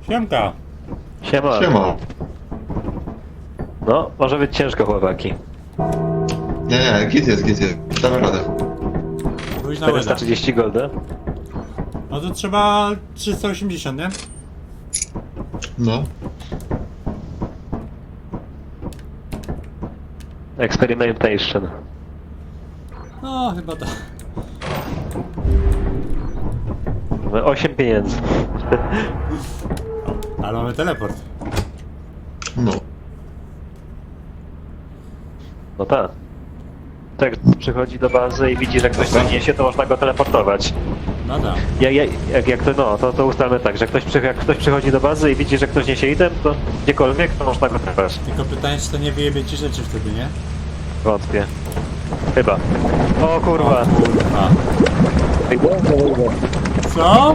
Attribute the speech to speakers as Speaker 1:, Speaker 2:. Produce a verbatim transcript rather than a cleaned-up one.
Speaker 1: Siemka.
Speaker 2: Siema.
Speaker 3: Siema.
Speaker 2: No, może być ciężko, chłopaki.
Speaker 3: Nie, nie, git jest, git jest. Damy radę.
Speaker 1: Pójdź na łyda.
Speaker 2: czterysta trzydzieści golda.
Speaker 1: No to trzeba trzysta osiemdziesiąt, nie?
Speaker 3: No.
Speaker 2: Experimentation.
Speaker 1: No, chyba to.
Speaker 2: osiem pieniędzy.
Speaker 1: Ale mamy teleport.
Speaker 3: No.
Speaker 2: No tak. Tak, przychodzi do bazy i widzi, że ktoś coś niesie, to można go teleportować.
Speaker 1: No tak.
Speaker 2: Ja, ja, jak, jak to, no, to, to ustalmy tak, że ktoś, przy, jak ktoś przychodzi do bazy i widzi, że ktoś niesie item, to gdziekolwiek, to można go teleportować.
Speaker 1: Tylko pytanie, czy to nie wyjebie ci rzeczy wtedy, nie?
Speaker 2: Wątpię. Chyba. O kurwa.
Speaker 1: Kurwa. Co?